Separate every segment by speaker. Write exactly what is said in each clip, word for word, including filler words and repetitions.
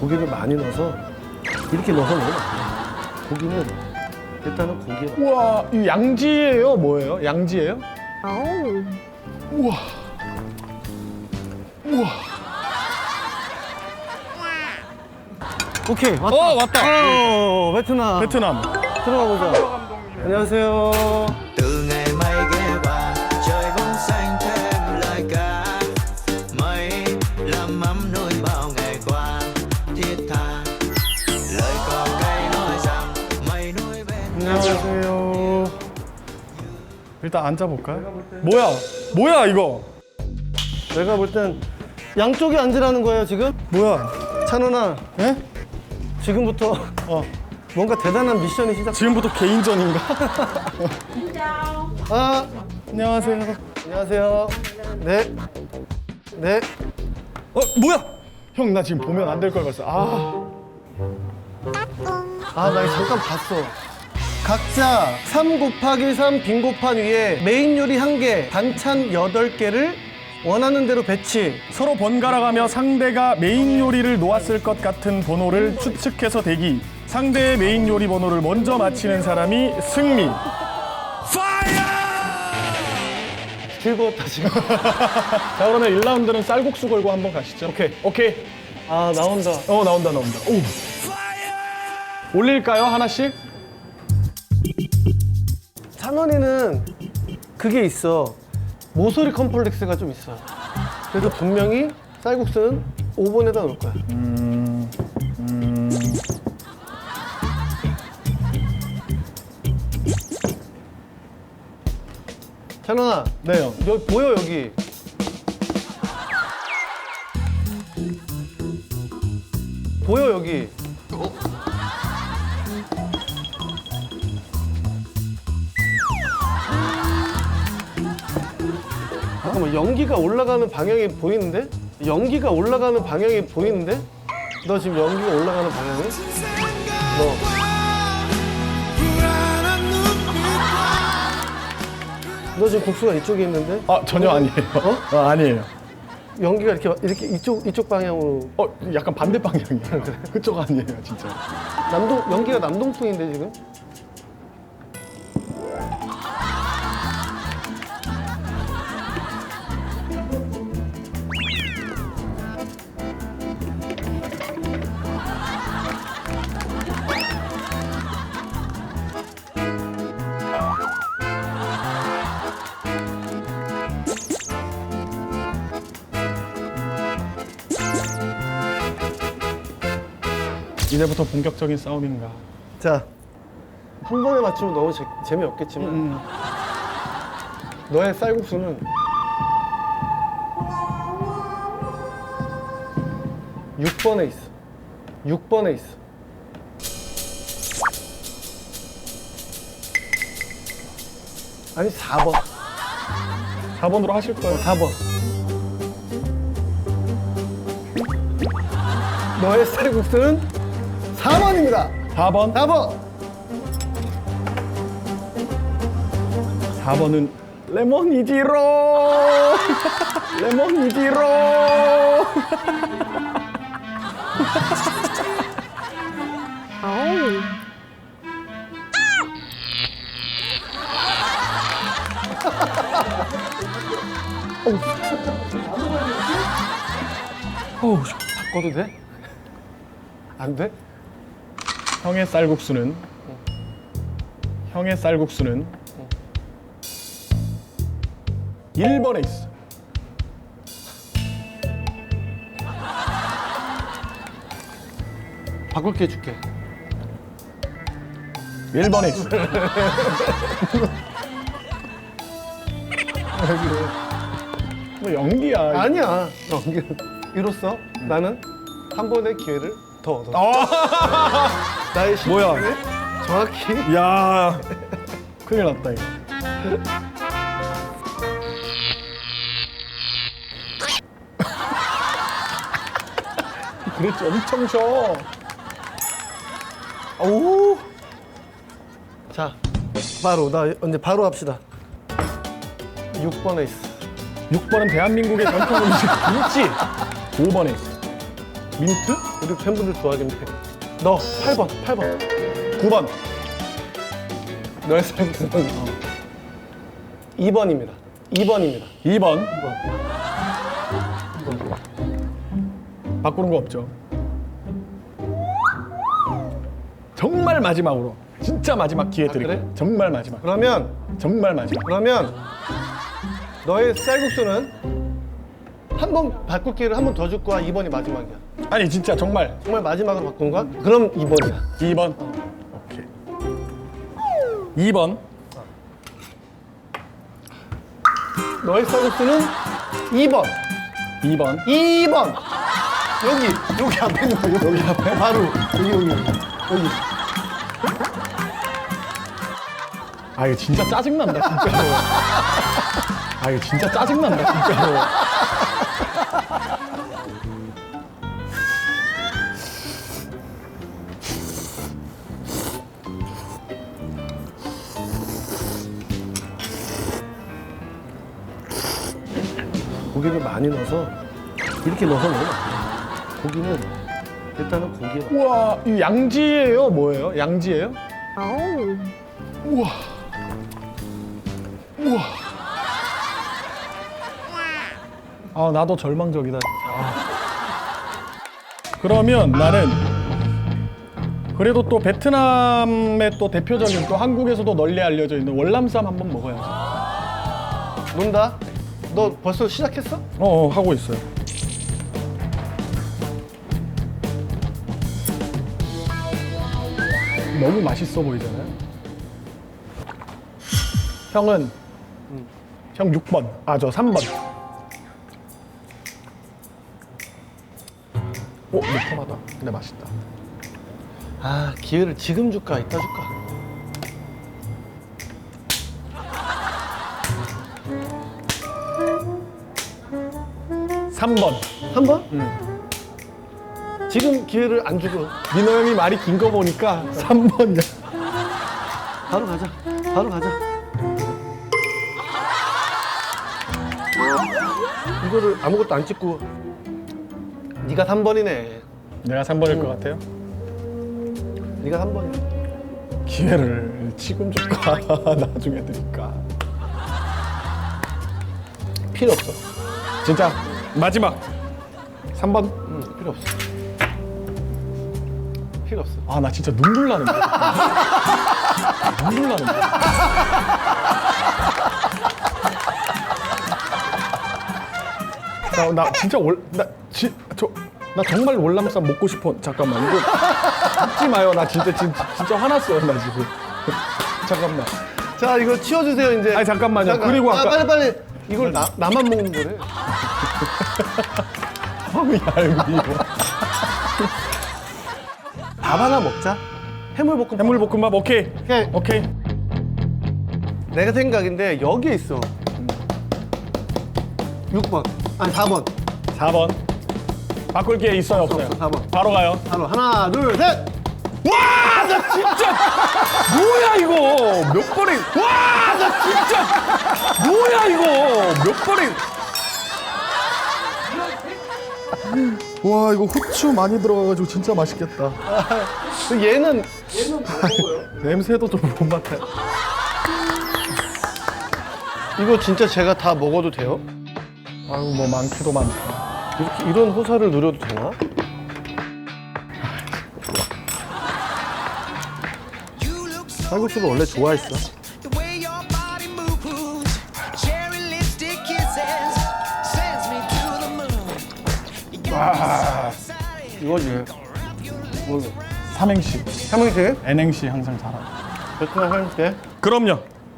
Speaker 1: 고기를 많이 넣어서 이렇게 넣어서 먹으면 안 돼. 고기는 일단은 고기에
Speaker 2: 우와, 이 양지예요? 뭐예요? 양지예요? 우와. 우와.
Speaker 1: 오케이 왔다.
Speaker 2: 어, 왔다.
Speaker 1: 어, 베트남.
Speaker 2: 베트남.
Speaker 1: 들어가 보자. 안녕하세요.
Speaker 3: từ ngày mây ghé qua trời bóng xanh thêm lời ca mây làm ấm nuôi bao ngày qua thiết tha lời có cây nói rằng mây nuôi bên
Speaker 2: 안녕하세요. 일단 앉아볼까요? 뭐야? 뭐야 이거?
Speaker 1: 내가 볼 땐 양쪽에 앉으라는 거예요 지금?
Speaker 2: 뭐야?
Speaker 1: 찬원아,
Speaker 2: 예?
Speaker 1: 지금부터
Speaker 2: 어.
Speaker 1: 뭔가 대단한 미션이 시작.
Speaker 2: 지금부터 개인전인가?
Speaker 1: 아,
Speaker 2: 안녕하세요.
Speaker 1: 안녕하세요. 네, 네.
Speaker 2: 어, 뭐야? 형, 나 지금 보면 안 될 걸 봤어. 아.
Speaker 1: 아, 나 이거 잠깐 봤어. 각자 삼 곱하기 삼 빈고판 위에 메인 요리 한 개, 반찬 여덟 개를 원하는 대로 배치.
Speaker 2: 서로 번갈아가며 상대가 메인 요리를 놓았을 것 같은 번호를 추측해서 대기. 상대의 메인 요리 번호를 먼저 맞히는 사람이 승리.
Speaker 1: 즐거웠다 지금.
Speaker 2: 자, 그러면 일 라운드는 쌀국수 걸고 한번 가시죠. 오케이. 오케이.
Speaker 1: 아, 나온다.
Speaker 2: 어, 나온다, 나온다. 오. 올릴까요, 하나씩?
Speaker 1: 찬원이는 그게 있어. 모서리 컴플렉스가 좀 있어. 그래서 분명히 쌀국수는 오 번에다 넣을 거야.
Speaker 2: 음. 음.
Speaker 1: 찬원아,
Speaker 2: 네, 형.
Speaker 1: 여기 보여 여기. 보여 여기. 잠깐만, 연기가 올라가는 방향이 보이는데? 연기가 올라가는 방향이 보이는데? 너 지금 연기가 올라가는 방향이? 너. 너 지금 국수가 이쪽에 있는데?
Speaker 2: 아, 전혀 아니에요.
Speaker 1: 어?
Speaker 2: 아, 아니에요.
Speaker 1: 연기가 이렇게 이렇게 이쪽 이쪽 방향으로.
Speaker 2: 어, 약간 반대 방향이야. 그쪽 아니에요, 진짜.
Speaker 1: 남동 연기가 남동풍인데 지금?
Speaker 2: 이제부터 본격적인 싸움인가.
Speaker 1: 자, 한 번에 맞추면 너무 재, 재미없겠지만
Speaker 2: 음.
Speaker 1: 너의 쌀국수는 육 번에 있어. 육 번에 있어. 아니 사 번.
Speaker 2: 사 번으로 하실 거예요.
Speaker 1: 사 번. 너의 쌀국수는 사 번입니다.
Speaker 2: 사 번.
Speaker 1: 사 번.
Speaker 2: 사 번은 레몬이지로. 레몬이지로.
Speaker 1: 어우, 바꿔도 돼? 안 돼?
Speaker 2: 형의 쌀국수는 형의 쌀국수는 일 번에 있어.
Speaker 1: 바꿀게 해줄게.
Speaker 2: 일 번에 있어. 뭐 연기야.
Speaker 1: 아니야. 연기는 이로써 나는 한 번의 기회를 더 얻었어.
Speaker 2: 아,
Speaker 1: 나의
Speaker 2: 뭐야?
Speaker 1: 실력을 정확히.
Speaker 2: 야, 큰일 났다 이거. 그랬지, 엄청 쉬어. 오,
Speaker 1: 자, 바로 나 이제 바로 합시다. 육 번에 있어.
Speaker 2: 육 번은 대한민국의 전통 음식 김치. 오 번에 있어. 민트?
Speaker 1: 우리 팬분들 좋아하겠네. 너 팔 번, 팔 번.
Speaker 2: 구 번.
Speaker 1: 너의 쌀국수는 이 번입니다. 이 번입니다.
Speaker 2: 이 번. 바꾸는 거 없죠. 정말 마지막으로. 진짜 마지막 기회 드릴게요.
Speaker 1: 그래?
Speaker 2: 정말 마지막.
Speaker 1: 그러면
Speaker 2: 정말 마지막.
Speaker 1: 그러면 너의 쌀국수는 한 번 바꿀 기회를 한 번 더 줄 거야. 이 번이 마지막이야.
Speaker 2: 아니 진짜 정말
Speaker 1: 정말 마지막으로 바꾼 거야? 그럼 이 번이야.
Speaker 2: 이 번. 오케이. 이 번.
Speaker 1: 너의 쌀국수는 이 번.
Speaker 2: 이 번.
Speaker 1: 이 번. 여기 여기 앞에 있는 거 여기 앞에 바로 여기 여기 여기.
Speaker 2: 아 이거 진짜 짜증난다 진짜로. 아 이거 진짜 짜증난다 진짜로.
Speaker 1: 고기를 많이 넣어서 이렇게 넣어서 먹으면 안 돼. 고기는 일단은 고기에
Speaker 2: 우와, 이 양지예요? 뭐예요? 양지예요? 우와. 우와. 아, 나도 절망적이다. 아. 그러면 나는 그래도 또 베트남의 또 대표적인 또 한국에서도 널리 알려져 있는 월남쌈 한번 먹어야지.
Speaker 1: 논다. 너 벌써 시작했어?
Speaker 2: 어, 어 하고 있어요. 너무 맛있어 보이잖아요. 형은 형 육 번. 아, 저 삼 번. 오, 매콤하다. 근데 맛있다.
Speaker 1: 아 기회를 지금 줄까 이따 줄까?
Speaker 2: 삼 번.
Speaker 1: 한 번? 지금 기회를 안 주고
Speaker 2: 민호 형이 말이 긴 거 보니까 삼 번이야.
Speaker 1: 바로 가자. 바로 가자. 이거를 아무것도 안 찍고 네가 삼 번이네.
Speaker 2: 내가 삼 번일 것 같아요.
Speaker 1: 네가 삼 번이야.
Speaker 2: 기회를 지금 줄까? 나중에 드릴까?
Speaker 1: 필요 없어.
Speaker 2: 진짜 마지막 삼 번.
Speaker 1: 응, 필요 없어. 필요 없어.
Speaker 2: 아, 나 진짜 눈물 나는데. 눈물 나는데. 나, 나 진짜 월, 나, 지, 저, 나 정말 월남쌈 먹고 싶어. 잠깐만, 이거 먹지 마요. 나 진짜, 진짜, 진짜 화났어요, 나 지금. 잠깐만.
Speaker 1: 자 이거 치워주세요 이제.
Speaker 2: 아니, 잠깐만요. 그리고
Speaker 1: 아,
Speaker 2: 아까-
Speaker 1: 빨리 빨리. 이걸 나 나만 먹는 거래.
Speaker 2: 아, 알고 이거.
Speaker 1: 밥 하나 먹자. 해물볶음.
Speaker 2: 해물볶음밥 오케이.
Speaker 1: 오케이.
Speaker 2: 오케이.
Speaker 1: 내가 생각인데 여기에 있어. 육 번. 아니 사 번.
Speaker 2: 사 번. 바꿀 기회 있어요, 없어요?
Speaker 1: 없어, 사 번.
Speaker 2: 바로 가요.
Speaker 1: 바로 하나 둘 셋.
Speaker 2: 와, 나 진짜 뭐야 이거 몇 번에 와, 나 진짜 뭐야 이거 몇 번에 와, 이거 후추 많이 들어가가지고 진짜 맛있겠다.
Speaker 1: 얘는
Speaker 2: 냄새도 좀 못 맡아요.
Speaker 1: 이거 진짜 제가 다 먹어도 돼요?
Speaker 2: 아유, 뭐 많기도 많다.
Speaker 1: 이렇게 이런 호사를 누려도 되나? 쌀국수를 원래 좋아했어.
Speaker 3: The way your body moves, cherry lipstick kisses, sends me to the moon. You got me so excited.
Speaker 1: 이거지. 뭐
Speaker 2: 삼행시,
Speaker 1: 삼행시?
Speaker 2: N행시 항상 잘하고.
Speaker 1: 베트남 삼행시?
Speaker 2: 그럼요.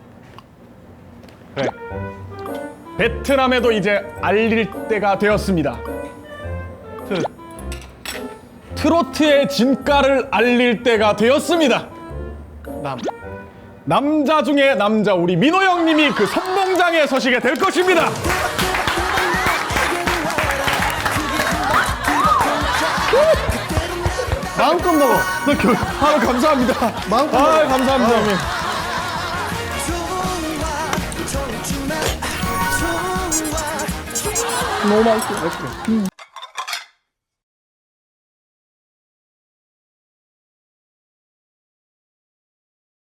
Speaker 1: 그래.
Speaker 2: 베트남에도 이제 알릴 때가 되었습니다.
Speaker 1: 트.
Speaker 2: 트로트의 진가를 알릴 때가 되었습니다.
Speaker 1: 남.
Speaker 2: 남자 중에 남자, 우리 민호 형님이 그 선봉장에 서시게 될 것입니다.
Speaker 1: 마음껏 먹어.
Speaker 2: 아, 감사합니다.
Speaker 1: 마음껏
Speaker 2: 아,
Speaker 1: 먹어.
Speaker 2: 감사합니다, 형님.
Speaker 3: 좋아, 좋지만 좋아.
Speaker 2: 너무 맛있어.